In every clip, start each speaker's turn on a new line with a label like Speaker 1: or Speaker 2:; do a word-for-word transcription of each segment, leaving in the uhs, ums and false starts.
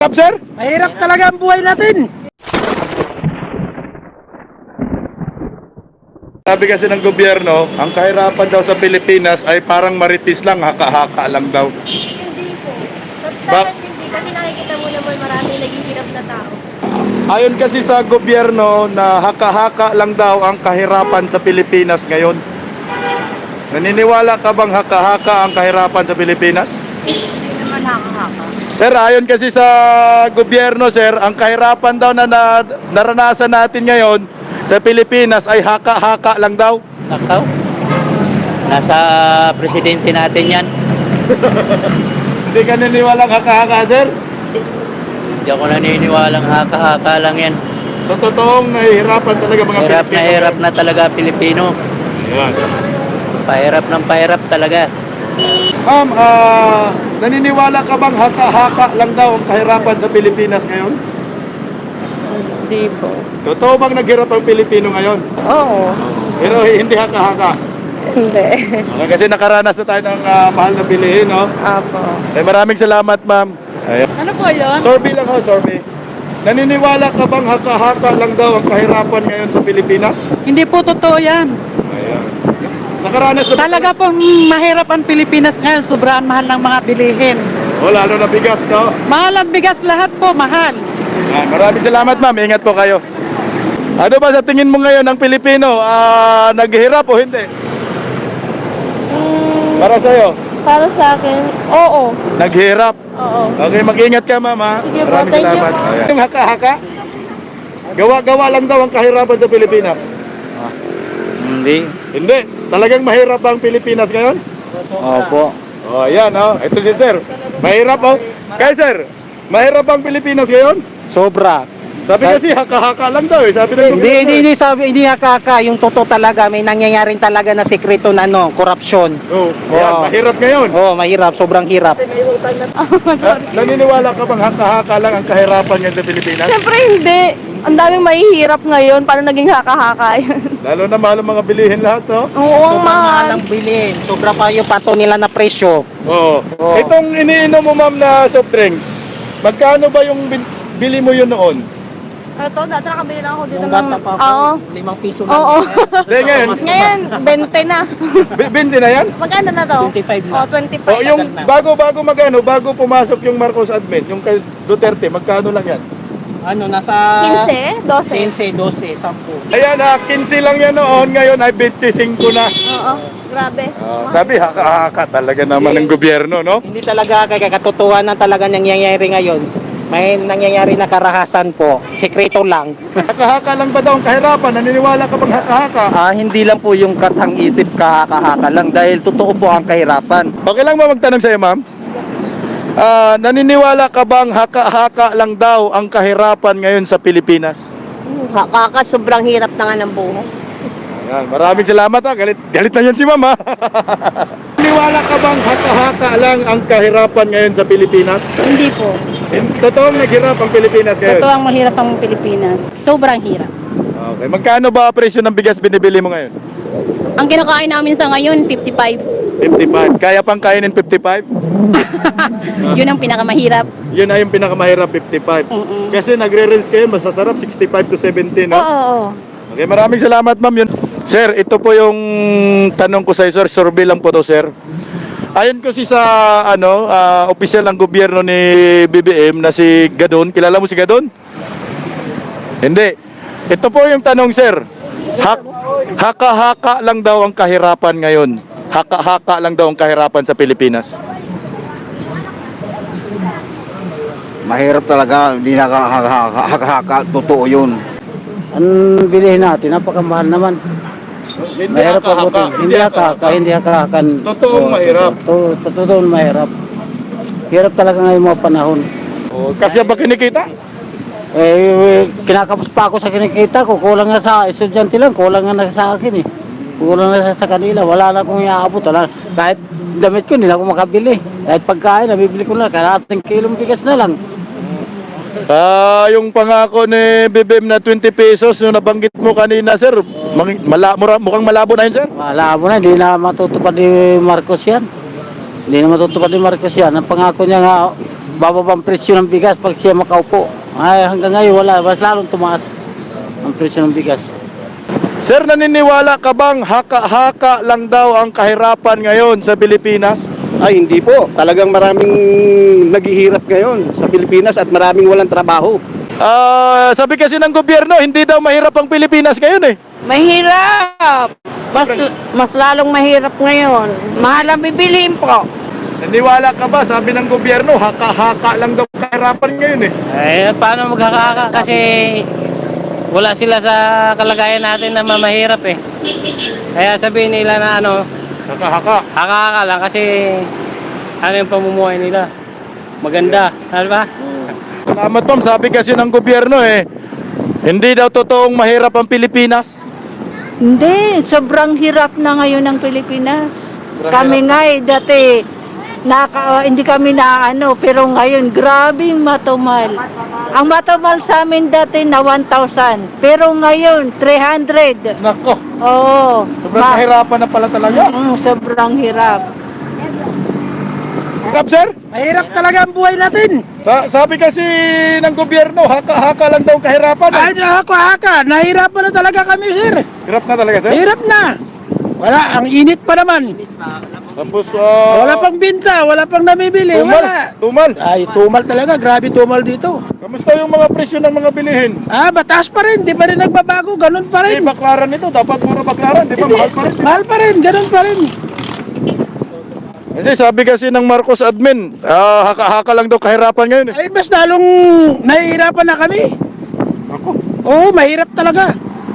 Speaker 1: Mahirap, sir?
Speaker 2: Mahirap talaga ang buhay natin.
Speaker 1: Sabi kasi ng gobyerno, ang kahirapan daw sa Pilipinas ay parang maritis lang, haka-haka lang daw.
Speaker 3: Hindi po.
Speaker 1: Bak-
Speaker 3: Dapat hindi. Kasi nakikita mo naman marami naghihirap na tao.
Speaker 1: Ayon kasi sa gobyerno na haka-haka lang daw ang kahirapan sa Pilipinas ngayon. Naniniwala ka bang haka-haka ang kahirapan sa Pilipinas?
Speaker 3: Hindi naman haka-haka.
Speaker 1: Sir, ayon kasi sa gobyerno, sir, ang kahirapan daw na, na naranasan natin ngayon sa Pilipinas ay haka-haka lang daw.
Speaker 4: Nakaw. Nasa presidente natin yan.
Speaker 1: Hindi ka naniniwala haka-haka, sir?
Speaker 4: Hindi ako naniniwalang haka-haka lang yan.
Speaker 1: Sa totoong nahihirapan talaga mga
Speaker 4: Hirap na
Speaker 1: Pilipino.
Speaker 4: hirap na talaga Pilipino.
Speaker 1: Ayan.
Speaker 4: Pahirap ng pahirap talaga.
Speaker 1: Ma'am, ah, naniniwala ka bang haka-haka lang daw ang kahirapan sa Pilipinas ngayon?
Speaker 5: Hindi po.
Speaker 1: Totoo bang naghirap ang Pilipino ngayon?
Speaker 5: Oo.
Speaker 1: Pero hindi haka-haka.
Speaker 5: Hindi.
Speaker 1: Okay, kasi nakaranas na tayo ng ah, mahal na bilihin, no?
Speaker 5: Apo.
Speaker 1: Eh, maraming salamat, ma'am. Ayan.
Speaker 5: Ano po yun?
Speaker 1: Survey lang ho, survey. Naniniwala ka bang haka-haka lang daw ang kahirapan ngayon sa Pilipinas?
Speaker 2: Hindi po totoo yan.
Speaker 1: Ayan. Nakaranas na ba-
Speaker 2: Talaga pong mahirap ang Pilipinas ngayon. Sobrang mahal ng mga bilihin.
Speaker 1: O, lalo na bigas, no?
Speaker 2: Mahal ang bigas, lahat po mahal.
Speaker 1: Ah, maraming salamat, ma'am. Ingat po kayo. Ano ba sa tingin mo ngayon ang Pilipino? Ah, naghihirap o hindi? Para sa'yo,
Speaker 5: Para sa akin, oo.
Speaker 1: naghihirap.
Speaker 5: Oo.
Speaker 1: Okay, mag-ingat ka, ma'am, ha?
Speaker 5: Sige po,
Speaker 1: Maraming
Speaker 5: thank you
Speaker 1: salamat.
Speaker 5: po.
Speaker 1: Ayan. Yung haka-haka, gawa-gawa lang daw ang kahirapan sa Pilipinas.
Speaker 4: Hindi.
Speaker 1: Hindi. Talagang mahirap ang Pilipinas ngayon?
Speaker 4: Opo.
Speaker 1: Oh, ayan, oh. Ito si sir. Mahirap, oh. Kaya, sir, mahirap ang Pilipinas ngayon?
Speaker 2: Sobra.
Speaker 1: Sabi kasi haka-haka lang daw, eh. Sabi ng
Speaker 2: Hindi,
Speaker 1: gobyerno,
Speaker 2: hindi,
Speaker 1: eh.
Speaker 2: hindi sabi, hindi nakaka. Yung totoo talaga, may nangyayaring talaga na sekreto na ano, korupsyon.
Speaker 1: Oh, ayan,
Speaker 2: Oo.
Speaker 1: mahirap ngayon.
Speaker 2: Oo, mahirap, sobrang hirap.
Speaker 1: Ah, naniniwala ka bang haka-haka lang ang kahirapan ngayon sa Pilipinas?
Speaker 5: Siyempre hindi. Ang daming mahihirap ngayon. Paano naging haka-haka yun?
Speaker 1: Lalo na mahal ang mga bilihin lahat, no?
Speaker 5: Oo, ang mahal.
Speaker 2: ang bilhin. Sobra pa yung pato nila na presyo.
Speaker 1: Oo.
Speaker 2: Oo.
Speaker 1: Itong iniinom mo, ma'am, na soft drinks, magkano ba yung bin- bili mo yun noon?
Speaker 5: Ito, dati nakabili lang ako dito
Speaker 2: Nung
Speaker 5: ng...
Speaker 2: bata pa
Speaker 5: Oo.
Speaker 2: ako, limang piso lang.
Speaker 5: Oo.
Speaker 1: Hindi, ngayon,
Speaker 5: Ngayon, twenty na.
Speaker 1: bi- binti na yan?
Speaker 5: Magkano na to?
Speaker 2: twenty-five na.
Speaker 5: Oh,
Speaker 1: O,
Speaker 5: twenty-five.
Speaker 1: yung bago-bago magano, bago pumasok yung Marcos admin, yung kay Duterte, magkano lang yan?
Speaker 2: Ano, nasa...
Speaker 5: Quince? Dose?
Speaker 2: quince, twelve, ten.
Speaker 1: Ayan, ah, quince lang yan noon, ngayon ay twenty-five na.
Speaker 5: Oo. Grabe.
Speaker 1: Ah, sabi, haka-haka talaga naman ng gobyerno, no?
Speaker 2: Hindi talaga kaya katotohanan talaga nangyayari ngayon. May nangyayari na karahasan po. Sekreto lang.
Speaker 1: Haka-haka lang ba daw ang kahirapan? Naniniwala ka bang haka-haka?
Speaker 6: Ah, hindi lang po yung katang isip kahaka-haka lang dahil totoo po ang kahirapan.
Speaker 1: Okay lang ba magtanong sa'yo, ma'am? Ah, naniniwala ka bang haka-haka lang daw ang kahirapan ngayon sa Pilipinas?
Speaker 5: Kaka, sobrang hirap na nga ng buhay.
Speaker 1: Ayan, maraming salamat ha. Galit, galit na yan si ma'am ha. Naniniwala ka bang haka-haka lang ang kahirapan ngayon sa Pilipinas?
Speaker 7: Hindi po.
Speaker 1: Totoong naghirap ang Pilipinas ngayon?
Speaker 7: Totoo ang mahirap ang Pilipinas. Sobrang hirap.
Speaker 1: Okay, magkano ba presyo ng bigas binibili mo ngayon?
Speaker 7: Ang kinakain namin sa ngayon, fifty-five.
Speaker 1: fifty-five. Kaya pang kainin fifty-five?
Speaker 7: Yun ang pinakamahirap.
Speaker 1: Yun na yung pinakamahirap, fifty-five.
Speaker 7: Mm-mm.
Speaker 1: Kasi nagre-rinse kayo, masasarap, sixty-five to seventy, no?
Speaker 7: Oo, oo.
Speaker 1: Okay, maraming salamat, ma'am. Yun. Sir, ito po yung tanong ko sa iyo, sir. Survey lang po to, sir. Ayon kasi sa ano, ah, opisyal ng gobyerno ni B B M na si Gadon. Kilala mo si Gadon? Hindi. Ito po yung tanong, sir. Hak- haka-haka lang daw ang kahirapan ngayon. Haka-haka lang daw ang kahirapan sa Pilipinas.
Speaker 6: Mahirap talaga, hindi nakahaka, totoo yun.
Speaker 2: Ang bilihin natin, napakamahal naman. Mahirap po ito. Hindi haka-haka, hindi haka-hakan.
Speaker 1: Totoong mahirap.
Speaker 2: To- to- Totoong mahirap. Hirap talaga ngayon mga panahon.
Speaker 1: Oh, kasi ba kinikita?
Speaker 2: Eh, kinakapos pa ako sa kinikita ko. Kulang nga sa estudyante lang, kulang nga na sa akin eh. Kulang na sa kanila, wala na akong iaabot. Wala. Kahit damit ko, hindi na ako makabili. Kahit pagkain, nabibili ko na. Kalahating kilong bigas na lang.
Speaker 1: Ah, yung pangako ni B B M na twenty pesos yung nabanggit mo kanina, sir. Mang, mala, mura, mukhang malabo na yun, sir.
Speaker 2: Malabo na, hindi na matutupad ni Marcos yan. Hindi na matutupad ni Marcos yan. Ang pangako niya nga, bababang presyo ng bigas pag siya makaupo. Ay, hanggang ngayon wala, mas lalong tumaas ang presyo ng bigas.
Speaker 1: Sir, naniniwala ka bang haka-haka lang daw ang kahirapan ngayon sa Pilipinas?
Speaker 8: Ay, hindi po. Talagang maraming naghihirap ngayon sa Pilipinas at maraming walang trabaho.
Speaker 1: Ah, sabi kasi ng gobyerno, hindi daw mahirap ang Pilipinas ngayon eh.
Speaker 5: Mahirap! Mas, mas lalong mahirap ngayon. Mahal ang bibiliin po.
Speaker 1: Naniniwala ka ba? Sabi ng gobyerno, haka-haka lang daw ang kahirapan ngayon eh.
Speaker 4: Eh, paano magkakaka? Kasi wala sila sa kalagayan natin na mamahirap eh. Kaya sabihin nila na ano,
Speaker 1: Haka-haka.
Speaker 4: haka-haka lang kasi ano yung pamumuhay nila. Maganda, ano ba?
Speaker 1: Salamat ma'am, sabi kasi ng gobyerno eh, hindi daw totoong mahirap ang Pilipinas.
Speaker 9: Hindi, sobrang hirap na ngayon ng Pilipinas.
Speaker 1: Sobrang
Speaker 9: kami
Speaker 1: hirap.
Speaker 9: nga eh, dati, naka, hindi kami na ano, pero ngayon, grabing matumal. Ang matumal sa amin dati na one thousand, pero ngayon, three hundred.
Speaker 1: Nako,
Speaker 9: Oo.
Speaker 1: sobrang
Speaker 9: Ma-
Speaker 1: kahirapan na pala talaga.
Speaker 9: Mm, sobrang hirap.
Speaker 1: Hirap sir?
Speaker 2: Mahirap talaga ang buhay natin.
Speaker 1: Sa sabi kasi ng gobyerno, haka-haka lang daw ang kahirapan.
Speaker 2: Ay, ako haka, nahirapan na talaga kami, sir.
Speaker 1: Hirap na talaga sir?
Speaker 2: Hirap na. Wala, ang init pa naman.
Speaker 1: Tapos, ah,
Speaker 2: Wala pang binta, wala pang namibili,
Speaker 1: tumal,
Speaker 2: wala.
Speaker 1: tumal.
Speaker 2: Ay, tumal talaga, grabe tumal dito.
Speaker 1: Kamusta yung mga presyo ng mga bilihin?
Speaker 2: Ah, batas pa rin, di pa rin nagbabago, ganun pa
Speaker 1: Eh,
Speaker 2: rin.
Speaker 1: baklaran ito, dapat puro baklaran, di ba?
Speaker 2: Hindi,
Speaker 1: Mahal pa rin.
Speaker 2: mahal pa rin, ganun pa rin.
Speaker 1: Kasi sabi kasi ng Marcos admin, ah, haka-haka lang daw kahirapan ngayon eh.
Speaker 2: Ay, mas lalong nahihirapan na kami.
Speaker 1: Ako,
Speaker 2: Oo, mahirap talaga.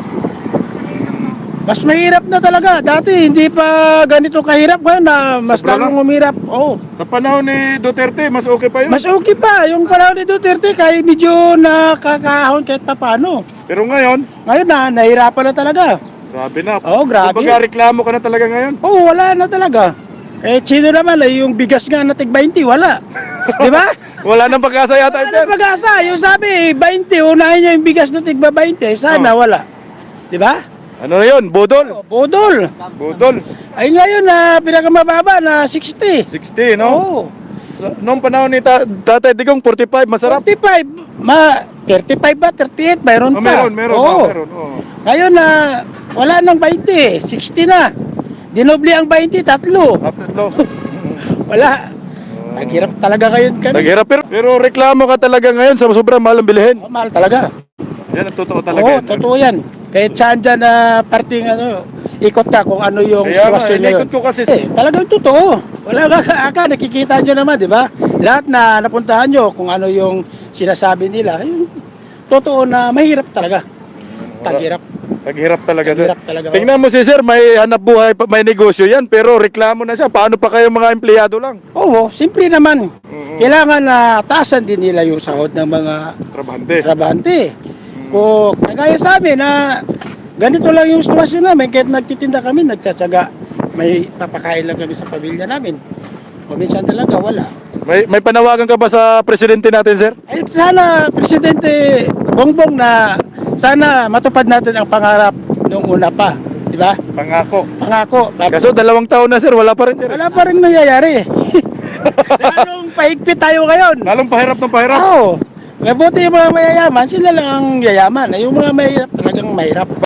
Speaker 2: Mas mahirap na talaga. Dati hindi pa ganito kahirap ngayon na mas
Speaker 1: Sobra
Speaker 2: lalong
Speaker 1: lang.
Speaker 2: umirap. Oo.
Speaker 1: sa panahon ni Duterte, mas okay pa yun.
Speaker 2: Mas okay pa yung panahon ni Duterte kahit medyo nakakahon kahit papano.
Speaker 1: Pero ngayon,
Speaker 2: Ngayon na, nahirapan na talaga.
Speaker 1: grabe na.
Speaker 2: Oo, grabe.
Speaker 1: Kumbaga reklamo ka na talaga ngayon.
Speaker 2: Oo, wala na talaga. Eh, sino naman, eh, yung bigas nga na tig twenty, wala. Di ba?
Speaker 1: Wala nang pag-asa yata
Speaker 2: Wala
Speaker 1: sir.
Speaker 2: na pag-asa. Yung sabi, twenty, unahin niya yung bigas na tig twenty. Sana
Speaker 1: Oh.
Speaker 2: wala. Di ba?
Speaker 1: Ano yun? Budol?
Speaker 2: Oh, Budol.
Speaker 1: Budol.
Speaker 2: Ay ngayon na pinakamababa na sixty.
Speaker 1: sixty, no?
Speaker 2: Oo.
Speaker 1: Sa, noong panahon ni ta Tatay Digong, forty-five, masarap.
Speaker 2: forty-five. Ma, thirty-five ba? thirty-eight? Mayroon
Speaker 1: Oh,
Speaker 2: pa.
Speaker 1: meron, meron,
Speaker 2: Oo.
Speaker 1: oh, meron. Oh.
Speaker 2: Ngayon na wala nang twenty. sixty na. Dinobli ang twenty, tatlo.
Speaker 1: Tatlo.
Speaker 2: Wala. Naghirap talaga ngayon kami.
Speaker 1: Naghirap pero, pero reklamo ka talaga ngayon sa sobrang mahal ang bilihin.
Speaker 2: Oh, mahal talaga.
Speaker 1: Yan ang totoo talaga.
Speaker 2: Oo,
Speaker 1: yan.
Speaker 2: totoo yan. Kahit saan dyan na parting ano, ikot na kung ano yung
Speaker 1: Kaya nga,
Speaker 2: sitwasyon
Speaker 1: inikot ko kasi.
Speaker 2: Eh, talagang totoo. Wala ka aka, nakikita nyo naman, di ba? Lahat na napuntahan nyo kung ano yung sinasabi nila, yung totoo na mahirap talaga. Taghirap.
Speaker 1: Naghirap talaga sir.
Speaker 2: Naghirap talaga.
Speaker 1: Tingnan mo si sir, may hanap buhay, pa- may negosyo yan, pero reklamo na siya. Paano pa kayo mga empleyado lang?
Speaker 2: Oo, simple naman.
Speaker 1: Mhm.
Speaker 2: Kailangan na taasan din nila yung sahod ng mga
Speaker 1: Trabahante.
Speaker 2: trabahante. Kung kagaya sa amin na ganito lang yung sitwasyon namin, kahit nagtitinda kami, nagtsatsaga, may papakain lang kami sa pamilya namin. O minsan talaga wala.
Speaker 1: May, may panawagan ka ba sa presidente natin sir?
Speaker 2: Ay sana, Presidente Bongbong, na sana matupad natin ang pangarap nung una pa. Di ba?
Speaker 1: Pangako.
Speaker 2: Pangako.
Speaker 1: Kaso dalawang taon na sir, wala pa rin sir.
Speaker 2: Wala pa rin nangyayari. Lalong pahigpit tayo ngayon.
Speaker 1: Lalong pahirap ng pahirap.
Speaker 2: Oo. Mabuti yung mga mayayaman, sila lang ang yayaman. Yung mga mahirap talagang mahirap.